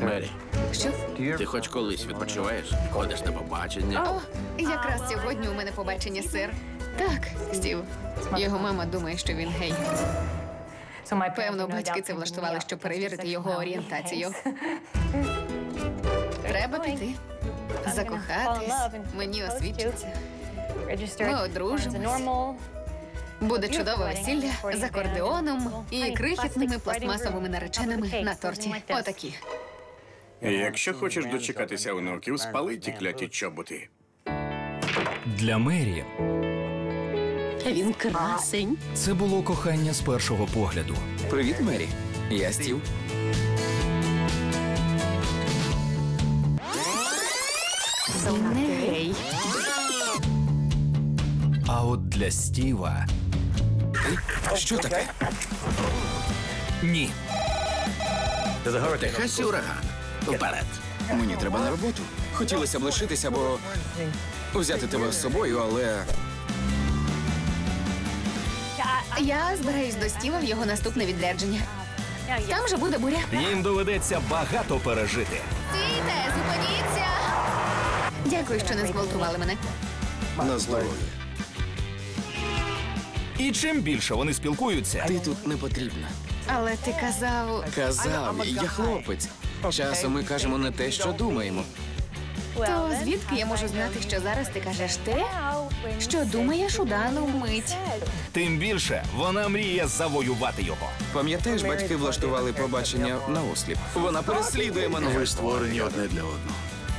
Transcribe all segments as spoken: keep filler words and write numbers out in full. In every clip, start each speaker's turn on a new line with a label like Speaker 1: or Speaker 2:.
Speaker 1: Мері,
Speaker 2: Що?
Speaker 1: ти хоч колись відпочиваєш? Ходиш на побачення?
Speaker 2: О, якраз сьогодні у мене побачення, сир. Так, Стів. Його мама думає, що він гей. Певно, батьки це влаштували, щоб перевірити його орієнтацію. Треба піти. Закохатись. Мені освідчиться. Ми одружимось. Буде чудове весілля з акордеоном і крихітними пластмасовими нареченими на торті. Отакі.
Speaker 3: Якщо хочеш дочекатися онуків, спали ті кляті чоботи.
Speaker 4: Для Мері
Speaker 5: Він красень.
Speaker 4: це було кохання з першого погляду.
Speaker 6: Привіт, Мері. Я Стів.
Speaker 2: Він не гей.
Speaker 4: А от для Стіва
Speaker 6: Що таке?
Speaker 4: ні.
Speaker 1: Техасі ураган. Вперед.
Speaker 6: Мені треба на роботу. Хотілося б лишитися, бо взяти тебе з собою, але
Speaker 2: Я збираюсь до Стіва в його наступне відрядження. Там же буде буря.
Speaker 4: Їм доведеться багато пережити.
Speaker 2: Стійте, зупиніться! Дякую, що не зґвалтували мене.
Speaker 3: На здоров'я.
Speaker 4: І чим більше вони спілкуються,
Speaker 6: ти тут не потрібна.
Speaker 2: Але ти казав...
Speaker 6: Казав, я хлопець. Часом ми кажемо не те, що думаємо.
Speaker 2: То звідки я можу знати, що зараз ти кажеш те, що думаєш у дану мить?
Speaker 4: тим більше вона мріє завоювати його.
Speaker 6: Пам'ятаєш, батьки влаштували побачення на осліп? Вона переслідує мене.
Speaker 3: Ви створені одне для одного.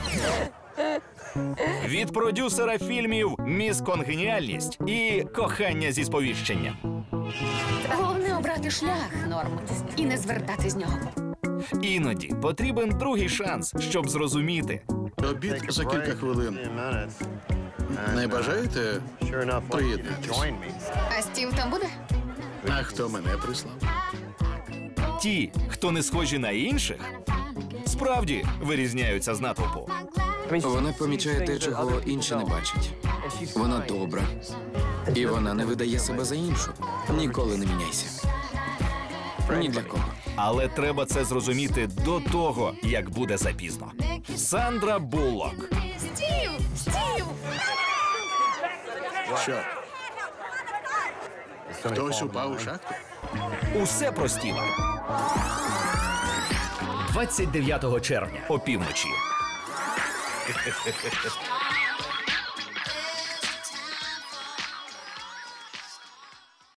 Speaker 4: Від продюсера фільмів «Міс Конгеніальність» і «Кохання зі сповіщенням».
Speaker 2: Головне обрати шлях, Норм, і не звертати з нього.
Speaker 4: Іноді потрібен другий шанс, щоб зрозуміти.
Speaker 3: Обід за кілька хвилин. Не бажаєте приєднатись?
Speaker 2: А Стів там буде?
Speaker 3: А хто мене прислав?
Speaker 4: Ті, хто не схожі на інших, справді вирізняються з натовпу.
Speaker 6: Вона помічає те, чого інші не бачать. Вона добра. І вона не видає себе за іншу. Ніколи не міняйся. Ні для кого.
Speaker 4: Але треба це зрозуміти до того, як буде запізно. Сандра Буллок.
Speaker 2: Стів! Стів!
Speaker 3: Що? Хтось упав у шахту?
Speaker 4: Усе про Стіва. двадцять дев'ятого червня опівночі.